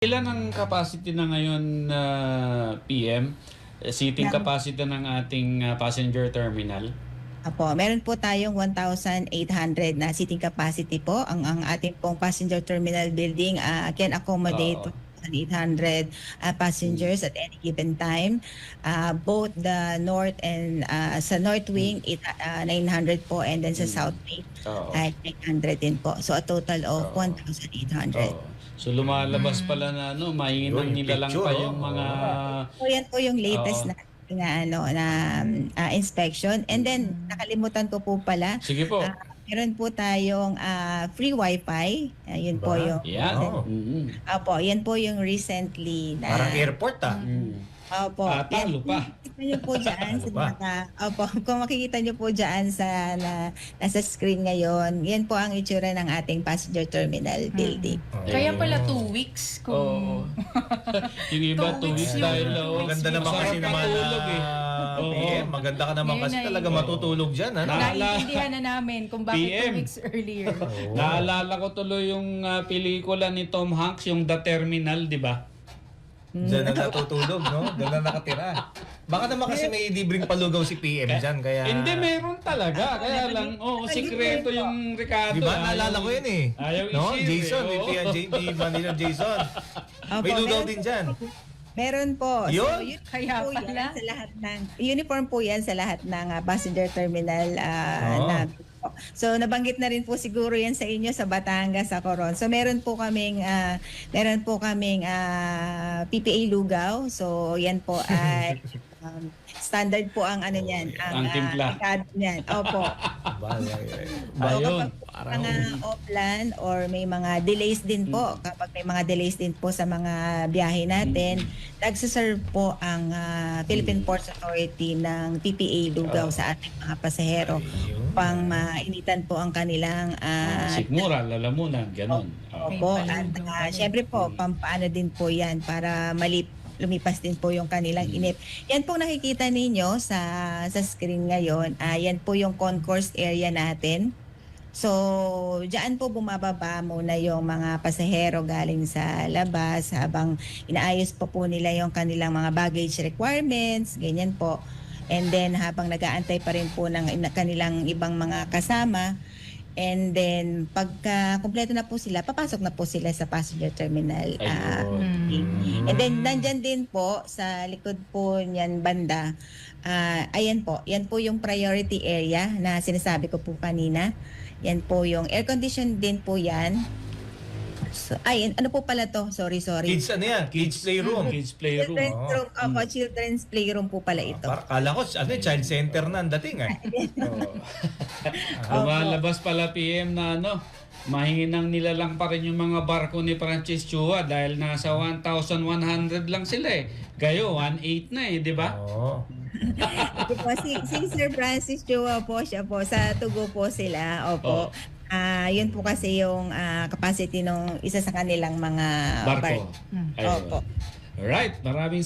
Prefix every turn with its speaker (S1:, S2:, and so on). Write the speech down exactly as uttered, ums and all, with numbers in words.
S1: Ilan ang capacity na ngayon na P M? Seating capacity ng ating uh, passenger terminal?
S2: Apo, meron po tayong one thousand eight hundred na seating capacity po. Ang ang ating pong passenger terminal building uh, can accommodate
S1: Oo.
S2: one thousand eight hundred uh, passengers at any given time. Uh, both the north and uh, sa north wing it, uh, nine hundred po, and then sa south wing
S1: Oo.
S2: ay nine hundred din po. So a total of
S1: Oo.
S2: one thousand eight hundred.
S1: Oo. So lumalabas pala na ano, mainang
S3: Yun,
S1: nila lang
S3: picture,
S1: pa
S3: oh.
S1: yung mga
S2: So yan po yung latest
S1: Oo.
S2: na na ano na uh, inspection. And then nakalimutan ko po pala.
S1: Sige po.
S2: Ah, meron po tayong ah, free wifi. Ayun po
S3: Ba?
S2: yung
S1: Yan.
S3: Oo.
S1: Mm-hmm.
S2: Opo, yan po yung recently na
S3: Parang airport ah.
S1: Mm.
S2: Opo.
S1: Ah, talo
S2: yan.
S1: pa.
S2: Makikita niyo po diyan sa
S3: Talo pa.
S2: mga Opo, kung makikita niyo po diyan sa na, nasa screen ngayon, yan po ang itsura ng ating passenger terminal building.
S3: Oo.
S4: Kaya pala two weeks kung...
S1: Oo. Yung iba, two
S4: Two
S1: weeks
S4: weeks yun.
S1: dahil oh,
S3: Maganda naman kasi
S1: masarap
S3: naman
S1: matulog
S3: na
S1: eh. Oo.
S3: P M. Maganda ka naman
S4: Ngayon
S3: kasi
S4: ay-
S3: talaga
S1: Oo.
S3: matutulog dyan. Ano?
S1: Na-
S4: Naiintindihan na namin kung bakit
S1: P M.
S4: two weeks earlier.
S3: Oo.
S1: Naalala ko tuloy yung uh, pelikula ni Tom Hanks, yung The Terminal, di ba?
S3: Dyan na natutulog, no? Dyan na nakatira. Baka naman kasi may libreng palugaw si P M dyan, kaya...
S1: Hindi, meron talaga. Kaya lang, oo, oh, sikreto yung Ricardo.
S3: Di ba?
S1: Ayaw-
S3: Naalala ko yun eh.
S1: Ayaw
S3: No?
S1: i-share,
S3: Jason,
S1: eh,
S3: may
S1: oo.
S3: P N J P Manila Jason.
S2: Opo,
S3: May lugaw
S2: meron
S3: din
S2: po-
S3: dyan.
S2: Meron po.
S3: Yun?
S2: So, yun
S4: Kaya
S2: po
S4: pala.
S2: yan sa lahat ng uniform po yan sa lahat ng ah, passenger terminal ah,
S3: Oo.
S2: namin po. So nabanggit na rin po siguro yan sa inyo sa Batangas, sa Coron. So meron po kaming ah, meron po kaming ah, P P A lugaw. So yan po ay um, standard po ang ano niyan,
S1: Ang
S2: ah,
S1: timpla.
S2: ikad niyan. Opo.
S3: Ba,
S1: Ba,
S2: So,
S1: yun.
S2: kapag mga off-land or may mga delays din po, kapag may mga delays din po sa mga biyahe natin, nagsiserve po ang ah, Philippine Ports Authority ng P P A lugaw sa ating mga pasahero
S3: Ayun.
S2: pang mainitan po ang kanilang ah,
S1: Sikmura, lalamunan, ganun. Oo.
S2: opo.
S4: May
S2: At
S4: paludo
S2: ah,
S4: pa rin.
S2: syempre po, pampaano din po yan para malip lumipas din po yung kanilang inip. Yan po nakikita ninyo sa sa screen ngayon. Ah, yan po yung concourse area natin. So, diyan po bumababa muna yung mga pasahero galing sa labas habang inaayos pa po nila yung kanilang mga baggage requirements, ganyan po. And then habang nag-aantay pa rin po ng ina- kanilang ibang mga kasama. And then pagka kumpleto na po sila, papasok na po sila sa passenger terminal. Ah,
S1: Ayun.
S2: And then nandyan din po sa likod po niyan banda, ah, ayan po, yan po yung priority area na sinasabi ko po kanina. Yan po yung air condition din po yan. So, ay, ano po pala to? Sorry, sorry.
S3: Kids ano yan? Kids playroom.
S1: Kids playroom.
S2: Children's
S3: Oo.
S2: room, opo, children's playroom po pala ito.
S3: Para kala ko, ano, child center na ang dating eh.
S1: Oo. Lumalabas pala P M na ano, mahinginang nila lang pa rin yung mga barko ni Francis Chua dahil nasa one thousand one hundred lang sila eh. Gayo, one eight na eh, di ba?
S3: Oo.
S2: Ito po, si, si Sir Francis Chua po, siya po, sa Tugo po sila, opo.
S1: Oo.
S2: Ah, yun po kasi yung ah, capacity ng isa sa kanilang mga
S1: Barko.
S2: bar-
S1: Ayun.
S2: Opo.
S1: Alright, maraming